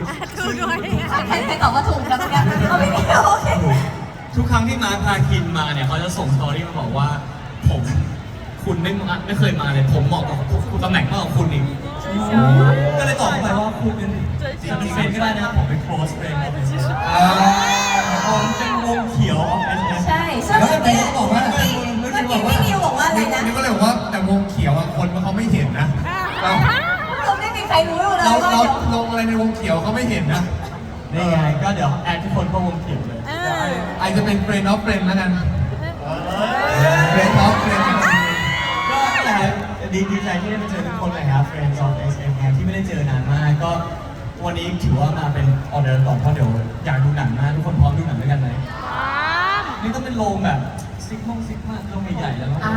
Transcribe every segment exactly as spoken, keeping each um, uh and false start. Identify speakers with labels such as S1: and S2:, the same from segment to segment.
S1: ถูกด้วย
S2: ใครใครตอบว่าถูกกันเนี่ยเอาไม่มีโอเค
S3: ทุกครั้งที่มาร์คพาคินมาเนี่ยเขาจะส่งสตอรี่มาบอกว่าผมคุณไม่มาไม่เคยมาเลยผมเหมาะกับคุณตำแหน่งมากกว่าคุณอีกก็เลยตอบเข้าไปว่าคุณเป็นจะเป็นเฟรนก็ได้นะครับผมเป็น close friend ครับผมเป็นวงเขียว เอส เอส
S2: ใช่ซึ่ง
S4: แล้ว
S2: เมื่อ
S4: แต่
S2: กี้
S4: เขาบอกว่า
S2: เมื่อกี้พี่นิวบอกว่าอะไรนะ
S4: นี่ก็เลยบอกว่าแต่วงเขียวอะคนเขาไม่เห็นนะเรา
S2: เราไม่มีใครรู้เลย
S4: เรา
S2: ว่า
S4: เรา
S2: เดี๋ยว
S4: ลงอะไรในวงเขียวเขาไม่เห็นนะ
S3: นี่ไงก็เดี๋ยวแอดทุกคนเข้าวงเขียวเลย
S4: อาจจะเป็นเฟรนด์ออฟเฟรนด์แล้วกันเฟรนด์ออฟเฟรนด์
S3: ก็แหละดีดีใจที่ได้มาเจอทุกคนเลยครับ Friends of เอส เอ็ม ที่ไม่ได้เจอนานมากก็วันนี้ถือว่ามาเป็นออเดอร์ก่อนเพราะเดี๋ยวอยากดูหนังมากทุกคนพร้อมดูหนังด้วยกันไหมนี่ต้องเป็นโรงแบบซิกมงซิกมากโรงใหญ่ๆแล้ว
S2: อ่า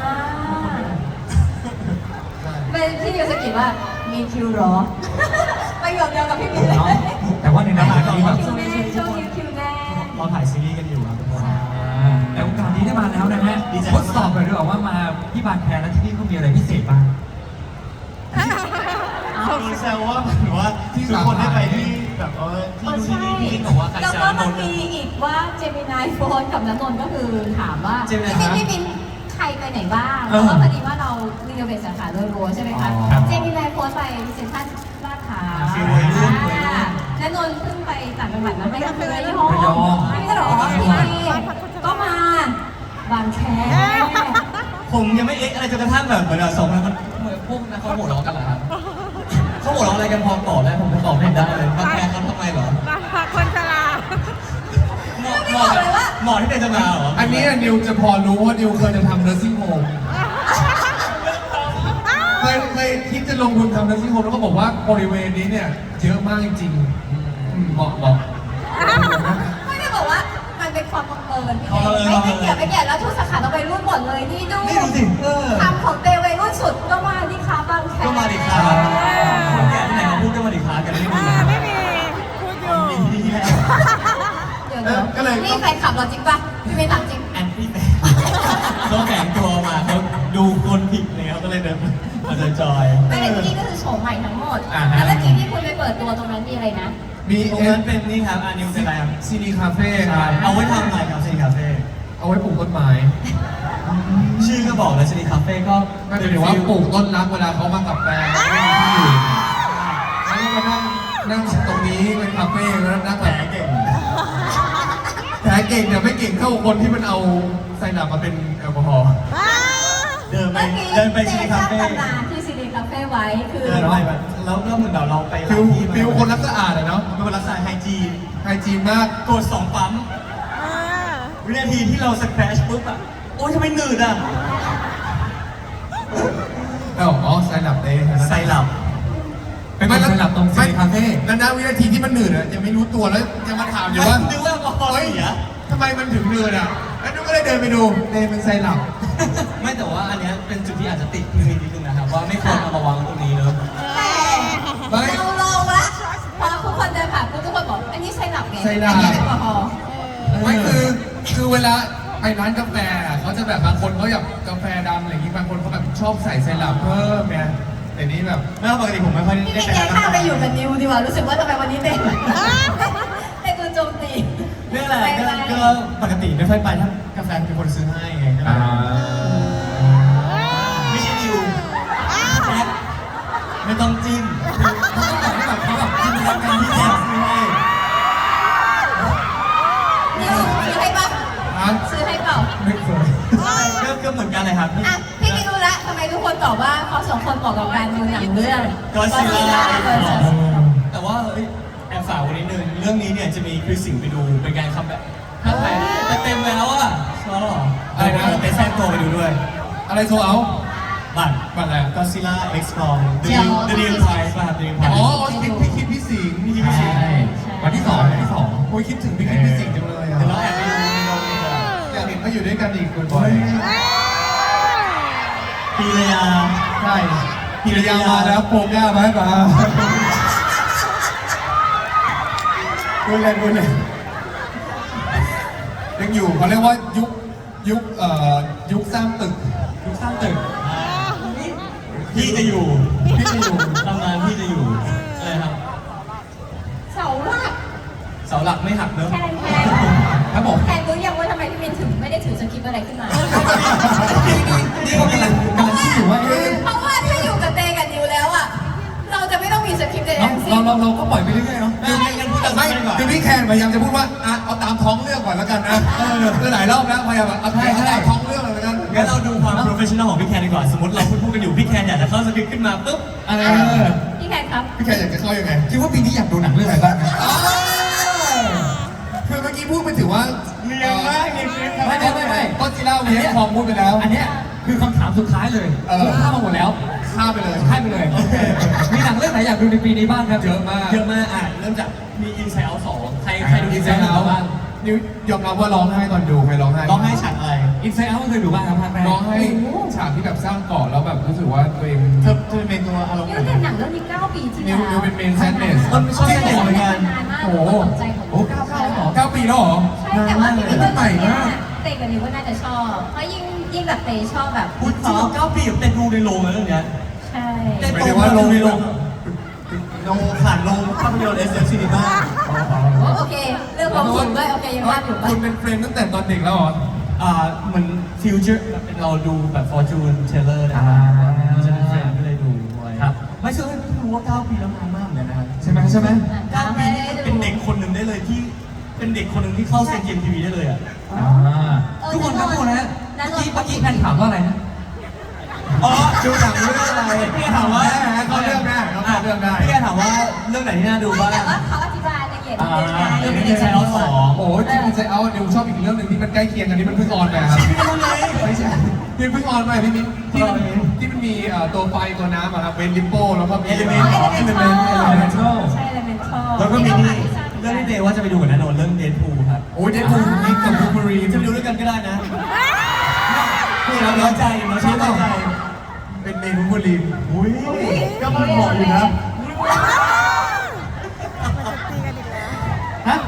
S2: เป็นพี่นิวสกิดว่ามีคิวเหรอประโยคเดียวกับพี่มิวเลย
S4: แต่ว่าในนั้นมีแบบ
S2: คิวแน่ช่วงนี้คิวแน่
S3: เราถ่ายซีรีส์กันอยู่ครับทุกคน
S5: แต่โอกาสนี้ได้มาแล้วนะฮะ
S3: ดีใจ
S5: ทดสอบหน่อยดีกว่าว่ามาที่บางแคแล้วที่นี่เขามีอะไรพิเศษบ้าง
S3: มีแซวว่าเหมือนว่าทุกคนได้ไปที่แบบเออที่
S2: อ๋อ
S3: ดู
S2: ใช่
S3: ที่นี่ที่บอกว่าใคร
S2: แล้ว
S3: จะ
S2: ก็
S3: น
S2: มัน
S3: นท์
S2: มีอีกว่าเจมินายโฟนกับน้ำนนท์ก็คือถามว่า
S3: เจมิ
S2: พี่
S3: นาย
S2: บินพี่บินใครไปไหนบ้างเพราะว่าพอดีว่าเรารีโนเวทสาขาโดยรวมใช่ไหมคะเจมินายโฟนไปเซ็นทรัลลาดพร้าวและนนท์เพิ่งไปต่างจังหวัดมาไม่ก็คือระยอง
S5: ระยอง
S2: ไม่ก็หรอพี่ก็มาบางแค
S3: ผมยังไม่เอ๊ะอะไรจนกระทั่งแบบเหมือนสองคนมันเหมือนพวกนั้นเขาหัวเราะกันเหรอครับเขาหัวเราะอะไรกันพอตอบได้ผมก็ตอบไม่ได้เลยบางแคเขาทำไมเหรอ
S1: คนชรา
S3: หมอหมอหมอที่เป็นจะมาเหรอ
S4: อันนี้นิวจะพอรู้ว่านิวเคยจะทำ nursing home เคยเคยคิดจะลงทุนทำ nursing home แล้วก็บอกว่าบริเวณนี้เนี่ยเยอะมากจริงๆอืมเหมาะเหมาะ
S2: ไม่ได้บอกว่ามันเป็นความบังเอิญไม่ไม่เกี่ยวไม่เกี่ยวแล้วทุกสาขาเราไปรุ่นหมดเลยนี่ดู
S3: นี่ดูสิเออ
S2: ทำของเตวัยรุ่นสุดก็มาที่ค้าบางแค
S3: ก็มาดิครับคนแก่ที่ไหนมาพูดก็มาดิครับกันไม่ดี
S1: ไม่มีพูดอยู่
S3: มีที่แล้
S2: เดี๋ยวเดี๋ยวนี่แฟนคลับเราจริงป่ะพี่ไม่ถามจริง
S3: แอนตี้แฟนเขาแฝงตัวมาเขาดูคนผิดเลยเขาก็เลยเดินมาจอย
S2: ไม่แต่ที่นี่ก็คือโฉมใหม่ทั้งหมดแล้วเมื่อกี้ที่คุณไปเปิดตัวตรงนั้นมีอะไรนะ
S4: มี
S3: ตรง
S4: เอ็
S3: นั้น นเป็นนี่ครับอานิวเป็นอะไรครับ
S4: ซีนีคาเฟ่ครับ
S3: เอาไว้ทำอะไรครับซีนีคาเฟ่
S4: เอาไว้ปลูกต้นไม้
S3: ชื่อก็บอกแล้วซีนีคาเฟ่ก็
S4: ก็ถือว่าปลูกต้นรักเวลาเขามากับแฟนไม่มีที่อยู่แล้วก็มานั่งนั่งตรงนี้เป็นคาเฟ่แล้วนั่ง
S3: แผ
S4: แบ
S3: ล
S4: บ
S3: เก่ง
S4: แผลเก่งแต่ไม่เก่งเท่าคนที่มันเอาไซนับมาเป็นแอลกอฮอล์
S3: เดินไป
S2: เมื่อกี้
S3: เดินไป
S2: เจ
S3: ซีนี
S2: ส
S3: คา
S2: ร้าง
S3: เฟ่
S2: ตำนานที่ซีดีคาเฟ่ไว้คือ
S3: เดินไปแบบแล้วก็เหมือนเราไป
S4: ฟิว
S3: ที่
S4: ฟิวคนรักสะอาดอะเนาะ
S3: เป็นคนรักษาไฮจีน
S4: ไฮจีนมาก
S3: กดสองปั๊มวินาทีที่เราสแครชปุ๊บอะโอ้ยทำไมหนืดอะ
S4: เอ้าอ๋อไซนับเต้
S3: ไซรัป
S5: เป็นคนสลับตรงซีคาเฟ่
S4: แล้วนะวินาทีที่มันหนืดอะยังไม่รู้ตัวแล้วยังมาถามอยู่ว่า
S3: นึกว่าแอลกอฮอล์
S4: เฮ้ย
S3: เสีย
S4: ทำไมมันถึงหนืดอะแล้วนุ๊กก็เลยเดินไปดูเต้เป็นไซนับ
S3: ไม่แต่ว่าอันเนี้ยเป็นจุดที่อาจจะติดนิดนึงนะครับว่าไม่ควรเอามาวางตรงนี้เนอะ
S2: แต่เราลองละพอทุกคนเดินผ่านปุ๊บทุกคนบอกอันนี้ไซรัปไง
S4: ไซรัป
S2: อันนี้แอลกอฮอล์
S4: ไม่คือคือเวลาไปร้านกาแฟอะเขาจะแบบบางคนเขาอยากกาแฟดำอะไรอย่างงี้บางคนเขาแบบชอบใส่ไซรัปเพิ่มไงแต่นี้แบบ
S3: ไม่ปกติผมไม่ค่อย
S2: พี่
S3: ได้
S2: ไม่
S3: ไป
S2: แก้
S3: ร้าน
S2: ข้าว
S3: กา
S2: ไป
S3: แฟ
S2: อยู่กับนิวดีกว่ารู้สึกว่าทำไมวันนี้เต้นเต้นดูโจมตี
S3: เรื่องอะไรก็ก็ปกติไม่ค่อยไปถ้ากาแฟเป็นคนซื้อให้ไงก็เลยไม่ใช่ดิวแท็กไม่ต้องจิ้มเขาต้องบอกให้แบบเขาแบบจิ้มแล้วกันที่แท็กซื้อให้
S2: นิวซื้อให้ปะ
S4: ร้าน
S2: ซื้อให้เปล่า
S4: ไม่เคย
S3: ก็ก็เหมือนกันเลยครับ
S2: อ่ะพี่ไม่รู้ละทำไมทุกคนตอบว่าเขาสองคนบอกกับการดูหนังเรื่อง
S3: Godzilla
S2: Godzilla
S3: แต่ว่าเอ้ยแอบฝากไว้นิดนึงเรื่องนี้เนี่ยจะมีคริสสิงห์ไปดูเป็นการคัมแบ็คถ้าใครแต่เต็มแล้วอ่ะชอบหรออะไรนะไปแทรกตัวไปดูด้วย
S4: อะไรโซเอา
S3: บัตร
S4: บัตรอะไร
S3: Godzilla X Kong The New The New Prize ป่ะครับ The New
S4: อ๋
S3: Prize
S4: อพี่พี่คิดพี่สิงห์พี่คิดพี่สิงห์
S5: ใช่วันที่สองวันที่สอง
S4: โอ้ยคิดถึงพี่คิดพี่สิงห์จังเลยอ่ะ
S3: เดี๋ยวเราแอบไปดูในโรงดีกว่า
S4: อยากเห็นเขาอยู่ด้วยกันอีกบ่อย
S3: ปีระยา
S4: ๆใช่พิรยามาแล้วโปรก้ามามาพูดเล่นพูดเล่นยังอยู่เขาเรียกว่ายุคยุคเอ่อยุคสร้างตึกยุคสร้างตึก
S3: พี่จะอยู่
S4: พี่จะอยู่
S3: ทำงานพี่จะอยู่อะไรครับาหลักไม่หักเนอะ
S2: แทนแทน
S4: ครับผม
S2: แทนรู้ยังว่าทำไมพี่มินถึงไม่ได้ถือสคริปต์อะไรขึ้นมา
S4: นี่ก็กำลังกำลังคิดอยู่ว่าเอ๊ะ
S2: เพราะว่าถ้าอยู่กับเตกับนิวแล้วอ่ะ เราจะไม่ต้องมีสคริปต์ใดๆ
S4: เรา
S2: ทั้งสิ้
S4: เรา
S2: น
S4: เราเราก็ปล่อยไปเรื่อยๆเนาะ
S3: ไม่ไม่งั้นพูดกัน
S4: ไม่
S3: ไม่ดีกว่า
S4: คือพี่แคนพยายามจะพูดว่าอ่ะเอาตามท้องเรื่องก่อนแล้วกันนะเออคือหลายรอบแล้วพยายามแบบเอาตามท้องเรื่องเลยแล้วกัน
S3: งั้นเราดูความ professional ของพี่แคนดีกว่า สมมติเราพูดพูดกันอยู่พี่แคนอยากจะเข้าสคริปต์ขึ้นมาปุ๊บ
S4: เออ
S2: พี่แคนครับ
S4: พี่แคนอยากจะเข้ายังไง
S5: คิดว่าปีนี้อยากดูหนังเรื่องอะไรบ้างนะ
S4: อ๋อคือเมื่อกี้พูดไปถึงว่า
S3: เนียนมากเนียนมาก
S5: ไม่ไม่ไม่ไม่
S4: ก็จีน่าเวียคองพูดไปแล้ว
S5: อันเนี้ยคือคำถามสุดท้ายเลย
S4: เออ
S5: ผมข้ามมาหมดแล้ว
S4: ข้ามไปเลย
S5: ให้ไปเลย มีหนังเรื่องไหนอยากดูในปีนี้บ้างครับ
S4: เยอะมาก
S3: เยอะมากอ่ะเริ่มจากมี Inside Out สองใครใครดู
S4: อินไซ
S3: Inside
S4: ด์เอา
S3: Out บ้าง
S4: นิวยอมรับว่าร้องไห้ตอนดูใครร้องไห้
S3: ร้องไห้ฉากอะไร
S5: อินไซด์เอาท์เคยดูบ้างครับภาคแรก
S4: ร้องไห้ฉากที่แบบสร้างเกาะแล้วแบบรู้สึกว่าตัวเอง
S3: เธอเธอเป็นตัวอารมณ์
S2: นิ
S3: ไห
S2: วแต่
S3: น
S2: หนังเรื่องนี้เก้าปีที่
S4: นิ
S2: แล้ว ว
S4: นิวเป็น main sadness
S3: เออไม่ชอบ sadness เหมือนกัน
S2: นานมาก
S4: โอ้โห
S2: ตกใจของ
S5: โอ้เก้าเก้าเหรอ
S4: เก้าปีแล้วเหรอ
S2: ใช่แต่ว่าพี่มิน
S4: นานมากเลย
S2: ก็ใหม่มากเตกับนิวก็น่าจะชอบ เพราะยิ่งยิ่งแบบเตชอบแบบ
S3: พูดจริงเก้าปีกับเต้นดูในโรงเลยเรื่องเนี้ย
S2: ใช่
S3: เต้น
S4: หมายถึงว่าโรง
S3: ในโรงโรงผ่านโรงภาพยนตร์ เอส เอฟ Cinema
S2: โอเค เรื่องความสุขด้วยโอเคยังว่าอยู่
S4: คุณเป็นเฟรนด์ตั้งแต่ตอนเด็กแล้วเหรอ
S3: อ่าเหมือนฟิวเจอร์เราดูแบบ Fortune Teller นะครั
S5: อ่า
S3: บจะเป็นเฟรนด์ก็เลยดูด้วย
S5: ครับ
S3: ไม่เชื่อไม่รู้ว่าเก้าปีแล้วนานมากเหมือนกันนะครับ
S5: ใช่ไหมใช่ไหม
S3: เก้าปีนี่เป็นเด็กคนหนึ่งได้เลยที่เป็นเด็กคนหนึ่งที่เข้าเซ็นเกมทีวีได้เลยอ่ะ
S5: อ่าทุกคนครับทุกคนนะเมื่อกี้เมื่อกี้แพนถามว่าอะไรนะ
S3: อ๋อดูหนังเรื่องอะไรพี่ถามว่า
S4: เขาเลือกได้เขาเลือกได้
S3: พี่ถามว่าเรื่องไหนที่น่าดูบ้าง
S2: แต่ว่าเขาอธิบายละเอียด
S3: อ่า
S2: นิดนึง
S3: เรื่องนี้ใช้เอาสอง
S4: โอ้ยจริงๆใจเอานิวชอบอีกเรื่องหนึ่งที่มันใกล้เคียงกันที่มันเพิ่งออนไปครับ
S3: พี่รู้เลย
S4: ไม่ใช่ที่เพิ่งออนไปพี่มิ้นที่มันที่มันมีเอ่อตัวไฟตัวน้ำอะครับเวนลิปโป้แล้วก็มี
S3: Element
S2: อ๋อ
S4: Element
S2: Elemental
S4: Elemental
S2: ใช่ Elemental
S3: แล้วก็มีนี่เรื่องที่เดว่าจะไปดูกับนันนนท์เรื่องเดนพูครับ
S4: โอ้ยเดนพูมิกกับบูเบอรี
S3: จะไปดูด้วยกันก็ได้นะพี่เราน้อยใจเราชอบน้อยใจ
S4: เป็นเมนูบูเบอรี
S3: อุ้ยก็มันเหมาะอยู่นะ
S5: ฮะ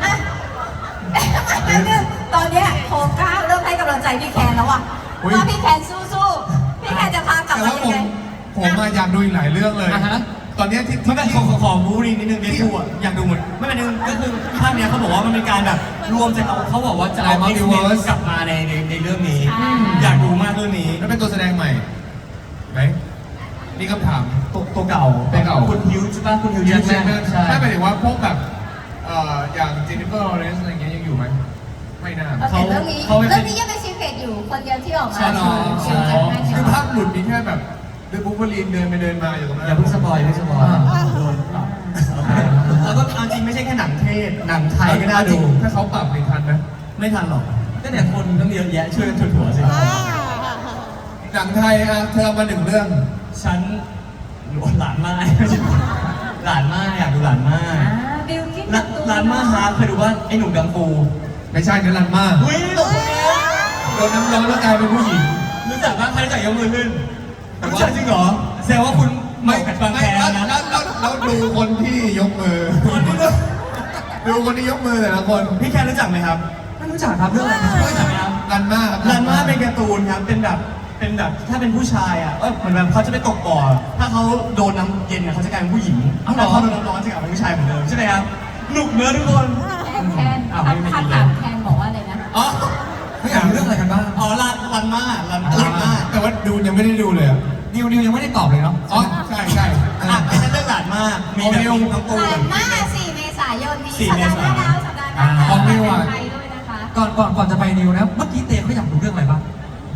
S2: ตอนเนี้ยโคก้าเริ่มให้กำลังใจพี่แคนแล้วอ่ะว่าพี่แคนสู้ๆ พี่แคนจะพากลับ
S4: แต่
S2: มา
S4: ว่า
S2: ยั
S4: ผ
S2: ง
S4: ม
S2: ไง
S4: ผมมาอยากดูอีกหลายเรื่องเลย
S5: อ่าฮะ
S4: ตอนเนี้ยที่
S3: ไม่
S4: ที่
S3: เป็นของของบูรีนิดนึงเดนพูอ่ะอยากดูเหมือนไม่เป็นนึงก็คือภาคเนี้ยเขาบอกว่ามันเป็นการแบบรวมจากเอาเขาบอกว่าจะเอา X-Men กลับมาในในในเรื่องนี้ อยากดูมากเรื่องนี้
S4: แล้วเป็นตัวแสดงใหม่ไหมนี่คำถาม
S3: ตัวตัวเก่า
S4: ตัวเก่า
S3: คุณฮิวใช่ป่ะคุณฮิว
S4: ยั
S3: ยั
S4: ง
S3: ง
S4: ใช่ไหม
S3: ใช่
S4: ถ้าหมายถึงว่าพวกแบบเอ่ออย่างเจนนิเฟอร์ลอเรนซ์อะไรเงี้ยยังอยู่ไหมไม่น่า
S2: โอเคเรื่องนี้เรื่องนี้ยังเป็นซีเครตอยู่คนเดียวที่ออกมา
S4: ใช่หรอ
S2: ชิวจัดให้
S4: คือภาพหลุดมีแค่แบบเดินบูเบอรีนเดินไปเดินมาอยู่ตรงนั้น
S3: อย่าเพิ่งสปอยอย่าเพิ่งสปอยโดนปรับแล้วก็เอาจริงไม่ใช่แค่หนังเทศหนังไทยก็น่าดู
S4: ถ้าเขาปรับในทันนะ
S3: ไม่ทันหรอกก็เนี่ยคนต้องเยอะแยะช่วยกันถั่วๆสิ
S4: หนังไทยอ่ะเธอเอามาหนึ่งเรื่อง
S3: ฉันหลานมาหลานมาอยากดูหลานมา
S2: อ่าบิลกิ้น
S3: หลานมาฮาร์ดเคยดูว่าไอ้หนุ่มกังฟู
S4: ไม่ใช่นั่นลันมาก
S3: อุ้ย
S4: โดนน้ำร้อนแล้วกลายเป็นผู้หญิง
S3: รู้จักบ้างใครรู้จักยกมือขึ้นรู้จักจริงเหรอแสดงว่าคุณไม่กัดบาง
S4: ไม่
S3: แค
S4: แล้ว
S3: นะ
S4: แล้วแล้วแล้วดูคนที่ยกมือ
S3: คนที่รู้
S4: ดูคนที่ยกมือแต่ละคน
S3: พี่แคนรู้จักไหมครับ
S5: ไม่รู้จักครับเรื่องอะไรนะ
S3: รู้จักไหมครับ
S4: ลันมากครับ
S3: รันมาเป็นการ์ตูนครับ เป็นแบบ เป็นแบบ ถ้าเป็นผู้ชายอ่ะ เออเหมือนแบบเขาจะไปตกบ่อ ถ้าเขาโดนน้ำเย็นอ่ะเขาจะกลายเป็นผู้หญิงถ้าเขาโดนน้ำร้อนจะกลายเป็นผู้ชายเหมือนเดิมใช่ไหมครับหนุกเนื้อะทุกคน
S2: แคนแคนคำคำถามแคนบอกว่าอะไรนะ
S3: อ๋อ
S5: ไม่อยากรู้เรื่องอะไรกันบ้าง
S3: อ๋อรันรันมารันรันมา
S4: แต่ว่าดูยังไม่ได้ดูเลยอะ
S5: นิวนิวยังไม่ได้ตอบเลยเนาะ
S4: อ๋อใช่ใช่
S3: อ่ะไอ้นั่นเรื่องหลานมาก มีแบบมีน้องตู
S2: หลาน
S3: น
S2: มากสี่เมษายนนี้
S3: สี่
S2: สัป
S3: เม
S2: ดาห์
S3: ษา
S2: หน้าแล้วสัปดาห์หน้า
S5: อ่าของนิวอะ
S2: ไทยด้วยนะคะ
S5: ก่อนก่อนก่อนจะไปนิวนะ เมื่อกี้เตเขาอยากดูเรื่องอะไรบ้าง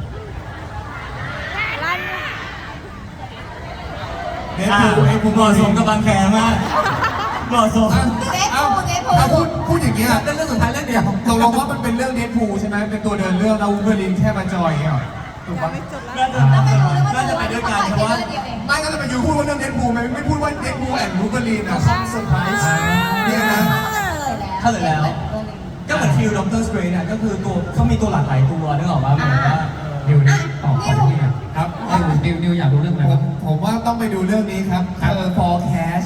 S3: เดฟูไอ้ผมเหมาะสมกับบางแคมากเหมาะสม
S2: เดฟ
S4: เอ้า
S2: พูเดฟพู
S4: ถ้าพูดพูดอย่างเงี้ย
S5: เรื่องสุดท้ายเรื่องเดียว
S4: ตกลงว่ามันเป็นเรื่องเดดพูลใช่ไหมเป็นตัวเดินเรื่องแล้ววูเบอรีนแค่มาจอยอย่างเงี้ยเหรอถูกปะ
S3: น่าจะ
S2: ต้องไปดูแล้วว่า
S3: น่าจะไปด้วยกันเพราะว่า
S2: เดียวเอง
S4: ไม่ก็จะไปอยู่พูดว่าเรื่องเดดพูลไม่ไม่พูดว่าเดดพูลแอนด์วูเบอรีนอะเขาเซอร์ไพรส์เนี่ยนะ
S3: เข้าเลยแล้ว ก็เหมือนฟิลด็อกเตอร์สเตรนจ์อ่ะก็คือตัวเขามีตัวหลากหลายตัวนึกออกป่ะเหมือนว่า
S5: นิวนิวตอบตอบพี่เนี่ย
S4: ครับ
S5: นิวนิวอยากดูเรื่องอะไร
S4: ผ
S5: บ้าม ง
S4: ผมว่าต้องไปดูเรื่องนี้ครับเออ forecast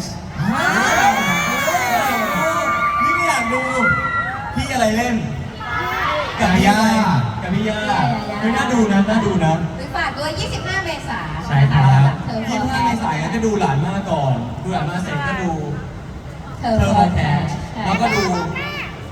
S3: นี่ก็อยากดูพี่อะไรเล่น กับพี่
S4: ย่า
S3: กับพี่ย่าคือน่าดูนะน่าดูนะ
S2: หรือฝากด้วยยี่สิบห้าเมษายน
S5: ใช่ครับ
S2: เธอ
S3: ยี่สิบห้าเมษายนก็ดูหลานมาก่อน ดูหลานมาเสร็จก็ดู
S2: เธอ
S3: เธอ
S2: โฟ
S3: โอ
S2: ร์
S3: แค
S2: แค
S3: ส
S2: ส
S3: แล้วก็ดู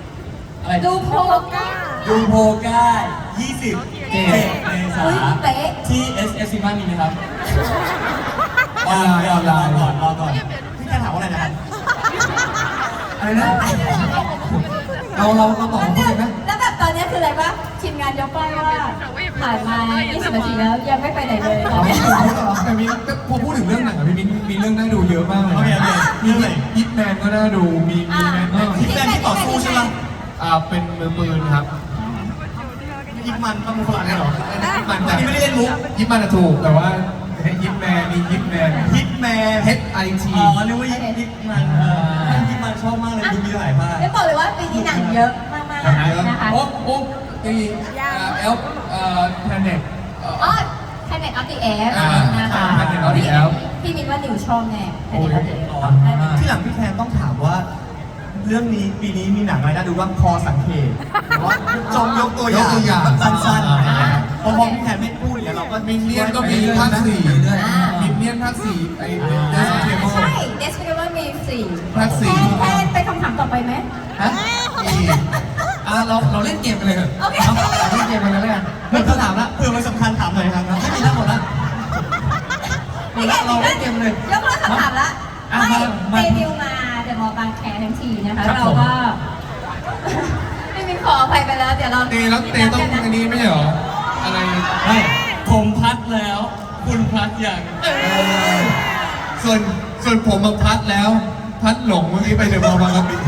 S2: ดูโพก้า
S3: ดูโพก้ายี่สิบเจ็ดเมษา
S2: เฮ้ยเป๊ะ
S3: ที่ เอส เอฟ Cinema มีไหมครับ
S4: ออนไลน์ออนไลน์
S3: รอก่อนรอก่อนพี่แค่ถามว่าอะไรนะครับ
S4: อะไรนะเราเราเราตอบเขาเลยไหม
S2: แล้วแบบตอนนี้คืออะไรปะทีมงานยกป้ายว่าผ่านมายี่สิบนาทีแล้วยังไม่ไปไหนเลยต
S4: อ๋
S2: อ
S4: อน
S2: เนี้ย
S4: แต่มีพอพูดถึงเรื่องหนังอะพี่มิ้นมีเรื่องน่าดูเยอะมากเลย
S3: โอเคโอเค
S4: มี
S3: เรื่องไหน
S4: ยิปแมนก็น่าดูมีมีแมน
S3: ยิปแมนที่ต่อสู้ใช่ไหม
S4: อ่าเป็นมือปืนครับ
S3: ยิปมันต้องเป็นฝรั่งเหรอ
S4: ยิปมัน
S3: อันนี้ไม่ได้เล่นมุก
S4: ยิปมันอะถูกแต่ว่ายิปแมนมียิปแมน
S3: ฮิตแมน
S4: H I T
S3: อ๋อเรียกว่ายิปยิปมันเออยิปมันชอบมากเลยดูมีหลายภาค
S2: ไม่บอกเลยว่าปีนี้หนังเยอะมากๆนะคะ
S4: โอ้โอ้ตีเอลเอ่อแพนเน็ต
S2: อ๋อ Planet of the Apes
S4: อ่า
S2: นะคะ
S4: Planet of the Apes
S2: พี่มินว่าหนิวชอบแน่ Planet of the Apes
S3: อ๋อที่หลังพี่แทนต้องถามว่า เรื่องนี้ปีนี้มีหนังอะไรน่าดูบ้างพอสังเกตหรือว่าจงยกตัวอย่าง
S4: ยกตัวอย่าง
S3: สั้นๆอะไรอย่างเงี้ยพอพอพี่แทนไม่พูดเนี่ยเราก็
S4: มินเนี่ยนก็มีภาคสี่มินเนี่ยนภาคสี่ไอ้เดสเทเบิล
S2: ใช่ Despicable Me สี่
S4: ภาคสี่
S2: แทนไปคำถามต่อไปไหม
S4: ฮะมีอ่ะเราเราเล่นเกมกันเลยเถอะ
S2: โอเค
S4: เอาเราเล่นเกมกันเลยแล้วกันเพื่อนเขาถามละ
S3: เผื่อมันสำคัญถามหน่อยครับ
S4: ไม่มีแล้วหมดละหมดละเราเล่นเกมเลย
S2: ยกเลิกคำถามละ
S4: อ่ะ
S2: ไม่
S4: มา
S2: เดบิวต์มาเดอะมอลล์บางแคทั้งทีนะคะ
S4: ครับ
S2: เรา
S4: ผม
S2: ก็ ไม่มีขออภัยไปแล้ว เดี๋ยวเรา
S4: เตแล้วเตต้อง
S2: นัดกั
S4: อันนี้ไม่ใช่เหรออะไร
S3: ไม่ผมพัดแล้ว คุณพัดอย่าง
S4: ส่วนส่วนผมมาพัดแล้ว พัดหลงเมื่อกี้ไปเดอะมอลล์บางกะปิ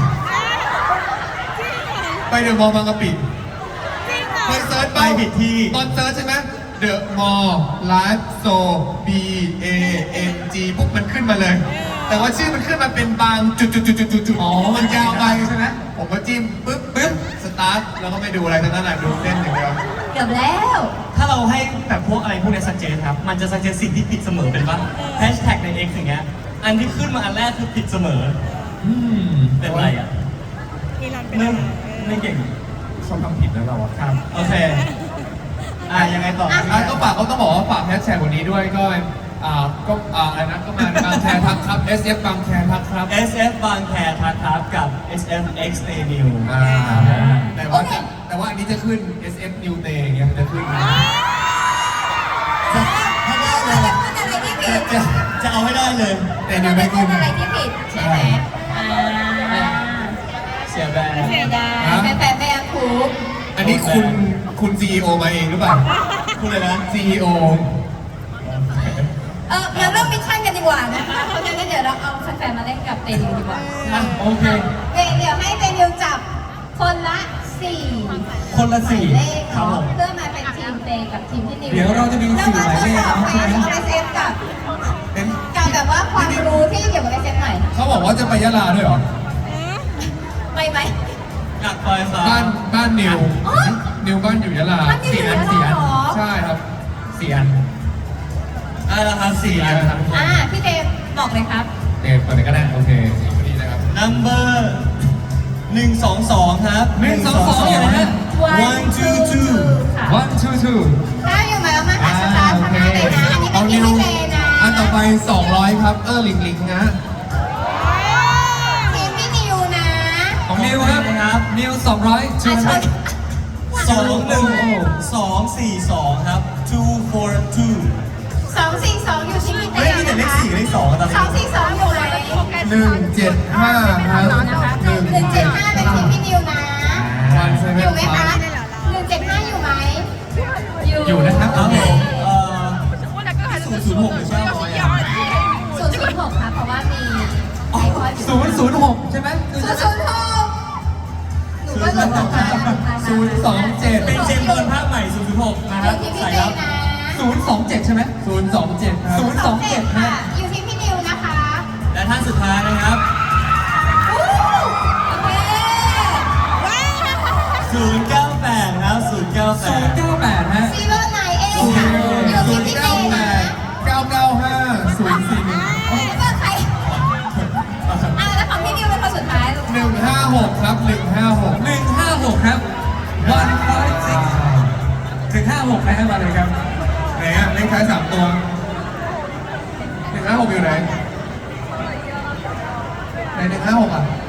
S4: ไปเดอะมอลล์บางกะปิไปเซิร์ช
S3: ไปผิดที่
S4: ตอนเซิร์ชใช่ไหมเดอะมอลล์ไลฟ์โซ B A N G ปุ๊บมันขึ้นมาเลย แต่ว่าชื่อมันขึ้นมาเป็นบางจุดจุดจุดจุดจุดจุดอ๋อมันยาวไปใช่ไหมผมก็จิ้มปึ๊บปึ๊บสตาร์ทแล้วก็ไม่ดูอะไรทั้งนั้นแหละดูเส้นอย่างเดียว
S2: เกือบแล้ว
S3: ถ้าเราให้แบบพวกอะไรพวกเนี้สัจเจนครับ มันจะสัจเจนสิ่งที่ผิดเสมอเป็นว่าแฮชแท็กใน X อย่างเงี้ย อันที่ขึ้นมาอันแรกคือผิดเสมอ
S4: อืม
S3: เป็นไรอ่ะ
S1: อีลอนเป็น
S3: ไม่
S1: อะไร
S3: ไม่เก่ง
S4: ชอบทำผิดแล้วเราอะครับ
S3: โอเค อ่ะยังไงต่อ
S4: อ่ะก็ฝากเขาต้องบอกว่าฝากแฮชแท็กวันนี้ด้วยก็อ่าก็อ่าอันนั้นก็มาบางแคทักครับ เอส เอฟ บางแคทักครับ
S3: เอส เอฟ บางแคทักครับกับ เอส เอฟ X Stay New
S4: อ่าแต่ว่าจะแต่ว่าอันนี้จะขึ้น เอส เอฟ New Day อย่างเงี้ยมันจะขึ้น
S3: ถ้าได้เล
S2: จะ
S3: ย
S2: พูดอะไรที่ผิด
S3: จะจะเอาให้ได้เลย
S4: แต่
S2: จะ
S4: เดี๋ยวไม่
S2: พู
S4: ขึ้
S2: ด
S4: น
S2: อะไรที่ผิดใช่ไหมอ่า
S3: เสียแบรนด์
S2: ไม่ได้แฟนๆไม่อาคูป
S4: อันนี้คุณคุณ ซี อี โอ มาเองหรือเปล่า
S3: พูดเลยนะ
S4: ซี อี โอ
S2: เออมาเริ่มมิชชั่นกันดีกว่านะคะเพราะฉะนั้นเดี๋ยวเราเอาแฟนๆมาเล่นกับเตนิวดีกว่า
S4: อ่ะโอเค
S2: เดี๋ยวเดี๋ยวให้เตนิวจับคนละสี่
S3: คนละสี่
S2: หมายเลข
S3: ครับ
S2: เนาะ
S3: ผม
S2: เพื่อมาเป็นทีมเตกับทีมที่นิว
S5: เดี๋ยวเราจะมีสี่หมายเลข
S2: แล้ว
S5: เนาะ
S2: มาทดสอบ
S5: ใช่ไหม
S2: เอสเอฟกับ
S4: เป็น
S2: กับแบบว่าความรู้ที่เกี่ยวกับเอสเอฟหน่อย
S4: เขาบอกว่าจะไปยะลาด้วยเหรอ
S2: ไปไหม
S3: อยากไปครับ
S4: บ้านบ้านนิว
S2: อ๋อ
S4: นิวบ้านอยู่ยะลา
S2: บ้านนิวอยู่ยะลา
S4: สี่อัน
S2: เหรอ
S4: ใช่ครับสี่อัน
S3: ได้แล้วครับสี่อันครับ
S2: อ่าพี่เตบอกเลยครับ
S4: เออเปิดเลยก็ได้โอเคพอดีนะครับ
S3: number หนึ่งสองสองครับ
S4: หนึ่งสองสองอยู่ไหนฮะ
S3: one two two
S2: ค่ะ
S4: one two two
S2: ถ้าอยู่ไหมว่ามาหาสตาร์ทข้างหน้าเลยนะ อันนี้เป็นที่พี่เตนะ
S4: อันต่อไปสองร้อยครับ เออหลิงหลิงนะ
S2: ทีมพี่นิวนะ
S5: ของนิวครับ
S3: ครับ
S5: นิวสองร้อย
S2: อ่ะชน
S3: สองหนึ่งสองสี่สองครับ two four two
S2: สองสี่สองอยู่ที่พี่เต
S3: เฮ้ยมีแต่เลขสี่กับเลขสองอะตอน
S2: ส
S3: นี้
S2: องสี่สองอยู่ไหน
S4: หนึ่งเจ็ดห้าครับ
S2: นะคะหนึ่งเจ็ดห้าเป็นทีมพี่นิวนะ
S4: วันเซ
S2: อ
S4: เว่
S2: ยู่
S4: น
S2: ไหม
S4: ค
S2: คะ
S4: รับ
S2: หนึ่งเจ็ดห้าอยู่ไหม
S5: อยู่นะครับ
S3: ครับผมเอ่อ
S1: ศูนย์ศูนย์หกหรือเปล่า
S2: ศูนย์ศูนย์หกค่ะเพราะว่ามีไอคอนอยู่
S5: ศูนย์ศูนย์หกใช่ไหม
S2: ศูนย์ศูนย์หกหนูก็หลงทางมา
S4: ศูนย์สองเจ็ด
S3: เป็นเจมส์บอลภาคใหม่ศูนย์ศูนย์หกนะค
S2: อ
S3: รับ
S2: ยู่ที่พี่
S3: ใส่
S2: เต
S3: ครับ
S2: นะ
S5: ศูนย์สองเจ็ดใช่ไหม
S4: ศูนย์สองเจ็ดครับ
S5: ศูนย์สองเจ็ด
S2: ค่ะ อยู่ที่พี่นิวนะคะ
S3: และท่านสุดท้ายนะครับ
S2: อู้โอเค
S3: ศูนย์เก้าแปดครับศูนย์เก้าแป
S5: ศูน
S3: ด
S5: ย์เก้าแปดฮะ
S2: ซีโร่ไนเอค่ะ อยู่
S4: ศู
S2: ที่
S4: นย์
S2: พี่เต
S4: เก้าแป
S2: นะ
S4: ดเก้าเก้าห้าศูนย์สี่หนึ่ง
S2: ไม่ได้เปิดใครอ่ะแล้วของพี่นิวเป็นคนสุดท้ายลูก
S4: หนึ่งห้าหกครับหนึ่งห้าหก
S5: หนึ่งห้าหกครับ one five six ถึงห้าหกนะฮะมาเลยครับ
S4: ไหนอะเลขท้ายสามตัวหนึ่งห้าหกอยู่ไหนไหนหนึ่งห้าหกอ่ะ